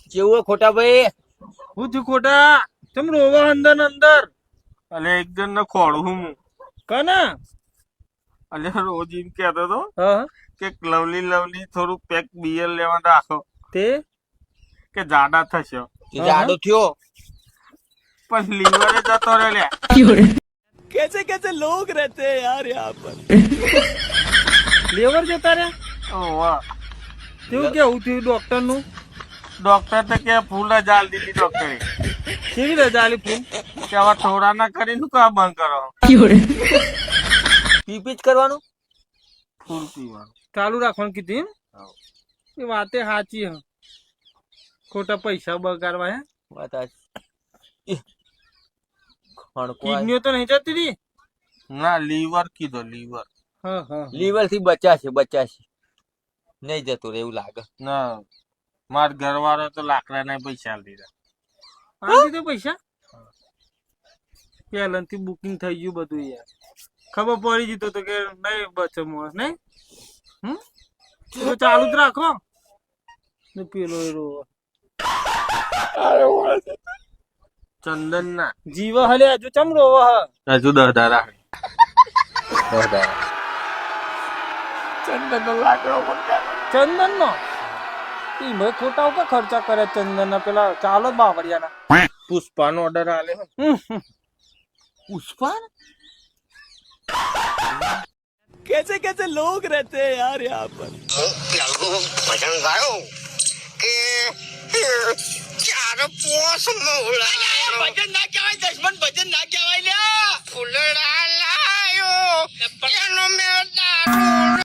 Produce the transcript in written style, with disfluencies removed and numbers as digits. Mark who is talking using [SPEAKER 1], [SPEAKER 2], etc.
[SPEAKER 1] કેવું ખોટા ભાઈ?
[SPEAKER 2] હું થયું ખોટા? તમ રોવા અંદર ને અંદર
[SPEAKER 3] અલે એક જણ ને ખોડું હું
[SPEAKER 2] કના?
[SPEAKER 3] અલે રોજ એમ કહેતો હતો
[SPEAKER 2] હા
[SPEAKER 3] કે લવલી થોડું પેક બિયર લેવા રાખો
[SPEAKER 2] તે
[SPEAKER 3] કે જાડા થશે
[SPEAKER 1] જાડો થયો.
[SPEAKER 3] પણ લીવરે જતો રહ્યો લે.
[SPEAKER 4] कैसे कैसे लोग रहते हैं यार यहाँ पर।
[SPEAKER 2] લેવર જતા રહ્યા?
[SPEAKER 3] ઓવા
[SPEAKER 2] તેવું કેવું થયું ડોક્ટર નું?
[SPEAKER 3] ડોક્ટર તો કે ફૂલ જ આલ દીધી ડોક્ટરે
[SPEAKER 2] કેવી રજા આલી ફૂલ?
[SPEAKER 3] કે હવે થોડા ના કરી શું કામ બંધ કરો
[SPEAKER 1] પીપી જ કરવાનું.
[SPEAKER 3] ફૂલ પીવાનું.
[SPEAKER 2] ચાલુ રાખવાનું કીધું એમ?
[SPEAKER 3] હા.
[SPEAKER 2] એ વાતે સાચી હ. ખોટા પૈસા બગાડવા હે.
[SPEAKER 1] વાત સાચી.
[SPEAKER 2] કિડનીઓ તો નહીં જતી રહી?
[SPEAKER 3] ના લીવર કીધો લીવર.
[SPEAKER 2] હા હા
[SPEAKER 1] લીવર થી બચાશે નહીં જતું રે એવું લાગે.
[SPEAKER 3] ના માર ઘરવાળો તો લાકડા ના પૈસા આલી દીધા.
[SPEAKER 2] આ દીધો પૈસા? પહેલાથી બુકિંગ થઈ ગયું બધું યાર. ખબર પડી જતો તો કે નહીં બચે મોસ નહીં. તો ચાલુ જ રાખો ને પેલો એ રોવો.
[SPEAKER 3] ચંદન ના
[SPEAKER 2] જીવ હલે હજુ ચમ રોવો હ?
[SPEAKER 3] હજુ 10 રાખે.
[SPEAKER 2] ચંદન નો મેં ખોટા ઉપર ખર્ચા કરે ચંદન ના પેલા ચાલો બાવળિયાના.
[SPEAKER 3] પુષ્પાનો ઓર્ડર આલે હે.
[SPEAKER 1] પુષ્પા
[SPEAKER 4] कैसे कैसे लोग रहते हैं यार यहाँ पर।
[SPEAKER 5] ભજન ગાયો કે ચાર પોસ મોળા ભજન ના કહેવાય દશમન ભજન ના કહેવાય લ્યા ફૂલડા લાયો એનો મેં દારૂ